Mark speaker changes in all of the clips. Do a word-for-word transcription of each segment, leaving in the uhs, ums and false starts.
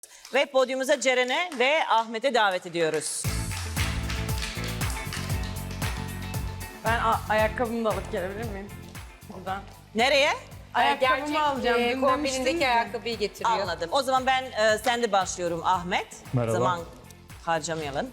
Speaker 1: Ve podyumuza Ceren'e ve Ahmet'e davet ediyoruz.
Speaker 2: Ben ayakkabımı da alıp gelebilir miyim? Buradan.
Speaker 1: Nereye?
Speaker 2: Ayakkabımı
Speaker 3: Gerçek
Speaker 2: alacağım.
Speaker 3: e,
Speaker 2: Dün demiştiniz
Speaker 3: kombinindeki
Speaker 2: ya.
Speaker 3: ayakkabıyı getiriyor.
Speaker 1: Anladım. O zaman ben e, sen de başlıyorum Ahmet.
Speaker 4: Merhaba.
Speaker 1: Zaman harcamayalım.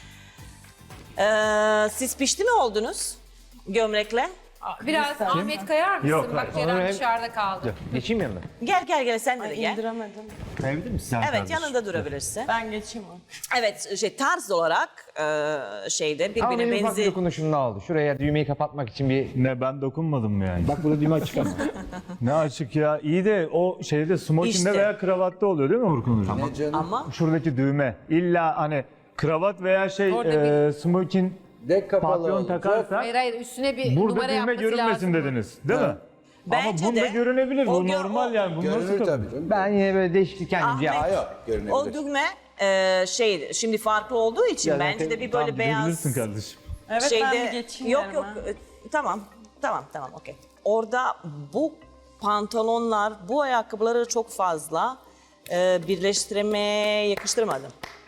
Speaker 1: E, siz pişti mi oldunuz gömlekle?
Speaker 3: Biraz Ahmet kayar mısın?
Speaker 4: Yok,
Speaker 3: Bak
Speaker 4: hayır.
Speaker 3: Ceren
Speaker 4: Onu hem-
Speaker 3: dışarıda kaldı.
Speaker 4: Geçeyim yanına.
Speaker 1: Gel gel gel sen de
Speaker 2: Ay,
Speaker 1: gel.
Speaker 2: indiremedim.
Speaker 4: Kayabilir misin sen
Speaker 1: Evet
Speaker 4: kardeşim?
Speaker 1: yanında durabilirsin.
Speaker 2: Ben geçeyim o.
Speaker 1: Evet şey tarz olarak e, şeyde
Speaker 5: Ama
Speaker 1: birbirine
Speaker 5: benim ufak bir
Speaker 1: benzi.
Speaker 5: dokunuşum ne oldu? Şuraya düğmeyi kapatmak için bir...
Speaker 4: Ne ben dokunmadım mı yani?
Speaker 5: Bak burada düğme açık ama.
Speaker 4: Ne açık ya. İyi de o şeyde smokingde
Speaker 1: İşte.
Speaker 4: veya kravatta oluyor değil mi Urkun Hocam?
Speaker 6: Ne canım?
Speaker 1: Ama
Speaker 4: Şuradaki düğme. İlla hani kravat veya şey
Speaker 3: Orada
Speaker 4: e, smoking
Speaker 6: Dek kapalı
Speaker 4: papyon
Speaker 6: olacak.
Speaker 4: takarsak
Speaker 3: Hayır hayır üstüne bir
Speaker 4: burada
Speaker 3: numara
Speaker 4: düğme
Speaker 3: yapması
Speaker 4: görünmesin
Speaker 3: lazım.
Speaker 4: dediniz. Değil mi?
Speaker 1: Bence
Speaker 4: Ama bunda
Speaker 1: de
Speaker 4: görünebilir.
Speaker 1: o
Speaker 4: Bu
Speaker 1: gör-
Speaker 4: normal
Speaker 1: o-
Speaker 4: yani. Bu nasıl
Speaker 6: Görünür
Speaker 4: kabul?
Speaker 6: tabii canım.
Speaker 5: Ben yine böyle değişiklik kendimce
Speaker 1: Ahmet-
Speaker 5: yaptım.
Speaker 6: Aa yok, görünebilir.
Speaker 1: o düğme e, şey şimdi farklı olduğu için
Speaker 4: Ya
Speaker 1: bence
Speaker 4: zaten
Speaker 1: de bir
Speaker 4: tam
Speaker 1: böyle beyaz
Speaker 4: gidebilirsin kardeşim.
Speaker 2: Evet
Speaker 1: şeyde
Speaker 2: ben bir geçeyim
Speaker 1: yok
Speaker 2: yerime.
Speaker 1: yok e, tamam tamam tamam okey. Orada bu pantolonlar bu ayakkabıları çok fazla e, birleştirmeye yakıştırmadım.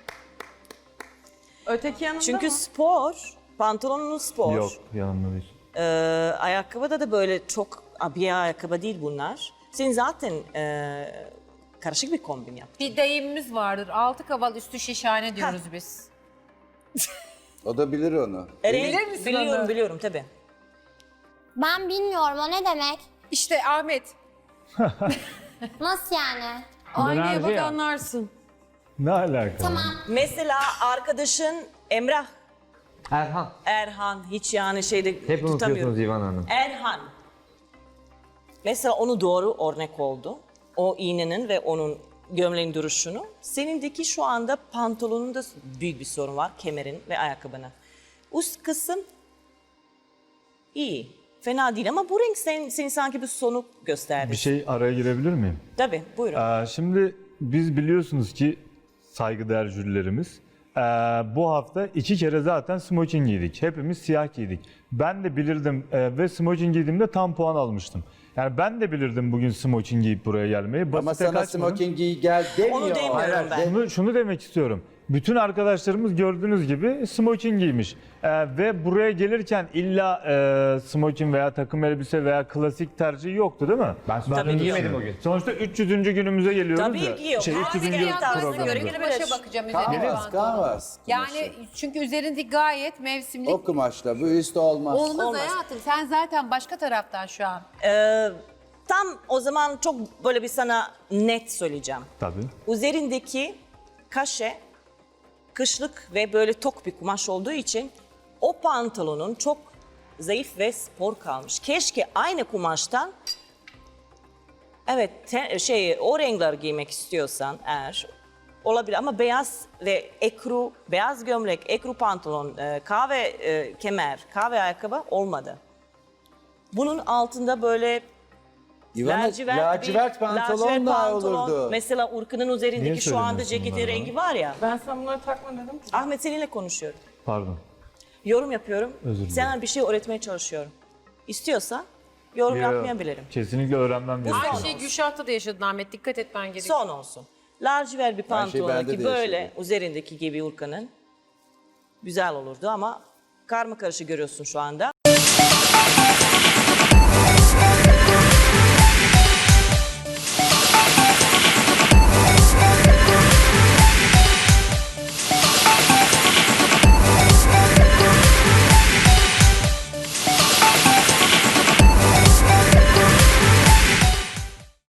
Speaker 2: Öteki yanında
Speaker 1: Çünkü
Speaker 2: mı?
Speaker 1: spor pantolonun spor.
Speaker 4: Yok yanımda değil.
Speaker 1: E, ayakkabıda da böyle çok abiye ayakkabı değil bunlar. Senin zaten e, karışık bir kombin yap.
Speaker 3: Bir deyimimiz vardır. Altı kaval üstü şişhane diyoruz biz.
Speaker 6: O da bilir onu.
Speaker 1: Bilir
Speaker 3: misin
Speaker 1: biliyorum
Speaker 3: onu?
Speaker 1: biliyorum tabii.
Speaker 7: Ben bilmiyorum o ne demek?
Speaker 3: İşte Ahmet.
Speaker 7: Nasıl yani?
Speaker 3: Aynaya
Speaker 5: Enerji
Speaker 3: bak
Speaker 5: ya.
Speaker 3: anlarsın.
Speaker 4: Ne alaka?
Speaker 7: Tamam.
Speaker 1: Mesela arkadaşın Emrah
Speaker 5: Erhan.
Speaker 1: Erhan hiç yani şeyde
Speaker 5: Hep unutuyorsunuz
Speaker 1: tutamıyorum.
Speaker 5: İvan Hanım.
Speaker 1: Erhan. Mesela onu doğru örnek oldu. O iğnenin ve onun gömleğin duruşunu. Senindeki şu anda pantolonunda büyük bir sorun var. Kemerin ve ayakkabının. Üst kısım iyi. Fena değil ama bu renk sen, seni sanki bir soluk gösterdi.
Speaker 4: Bir şey araya girebilir miyim?
Speaker 1: Tabii buyurun.
Speaker 4: Ee, şimdi biz biliyorsunuz ki saygıdeğer jürilerimiz ee, bu hafta iki kere zaten smoking giydik. Hepimiz siyah giydik. Ben de bilirdim ee, ve smoking giydiğimde tam puan almıştım. Yani ben de bilirdim bugün smoking giyip buraya gelmeyi. Basite
Speaker 6: Ama sana
Speaker 4: kaçmadım.
Speaker 6: smoking giy gel demiyor.
Speaker 1: Onu demiyorum
Speaker 6: Hayır,
Speaker 1: ben.
Speaker 4: Şunu, şunu demek istiyorum. Bütün arkadaşlarımız gördüğünüz gibi smoking giymiş. Ee, ve buraya gelirken illa e, smoking veya takım elbise veya klasik tercihi yoktu değil mi?
Speaker 5: Ben smoking
Speaker 1: Tabii ki
Speaker 5: giymedim
Speaker 1: yok.
Speaker 5: o gün.
Speaker 4: Sonuçta üç yüzüncü günümüze geliyoruz
Speaker 1: Tabii
Speaker 4: ya.
Speaker 1: ki yok.
Speaker 4: Şey,
Speaker 1: Herkes
Speaker 4: üç yüzüncü
Speaker 1: kendi tarzına
Speaker 4: programımıza.
Speaker 1: göre
Speaker 3: Göre başa bakacağım üzerine
Speaker 6: Kanvas,
Speaker 3: pantolon.
Speaker 6: kanvas.
Speaker 3: Yani çünkü üzerindeki gayet mevsimlik.
Speaker 6: O kumaşla bu üst olmaz.
Speaker 3: Olmaz,
Speaker 1: Olmaz.
Speaker 3: hayatım. Sen zaten başka taraftan şu an.
Speaker 1: Ee, tam o zaman çok böyle bir sana net söyleyeceğim.
Speaker 4: Tabii.
Speaker 1: Üzerindeki kaşe kışlık ve böyle tok bir kumaş olduğu için o pantolonun çok zayıf ve spor kalmış. Keşke aynı kumaştan evet te- şey o renkler giymek istiyorsan eğer olabilir ama beyaz ve ekru, beyaz gömlek, ekru pantolon, e, kahve e, kemer, kahve ayakkabı olmadı. Bunun altında böyle
Speaker 6: İvana,
Speaker 1: lacivert,
Speaker 6: lacivert
Speaker 1: bir-
Speaker 6: pantolon
Speaker 1: lacivert
Speaker 6: da
Speaker 1: pantolon.
Speaker 6: olurdu.
Speaker 1: Mesela Urkun'un
Speaker 4: Niye
Speaker 1: üzerindeki şu anda
Speaker 4: söylemiyorsun
Speaker 1: ceketin
Speaker 4: bunları
Speaker 1: rengi var ya.
Speaker 2: Ben sana bunları takma dedim ki.
Speaker 1: Ahmet seninle konuşuyorum.
Speaker 4: Pardon.
Speaker 1: Yorum yapıyorum.
Speaker 4: Özür dilerim.
Speaker 1: Sana bir şey öğretmeye çalışıyorum. İstiyorsa yorum
Speaker 4: Yo,
Speaker 1: yapmayabilirim.
Speaker 4: Kesinlikle öğrenmem gerekiyor.
Speaker 3: Aynı şeyi Gülşah'ta da yaşadın Ahmet. Dikkat etmen gerekiyor.
Speaker 1: Son olsun. Lacivert bir
Speaker 6: şey
Speaker 1: pantolon
Speaker 6: bende
Speaker 1: ki
Speaker 6: de
Speaker 1: böyle
Speaker 6: yaşadım.
Speaker 1: üzerindeki gibi Urkan'ın güzel olurdu ama karma karışık görüyorsun şu anda.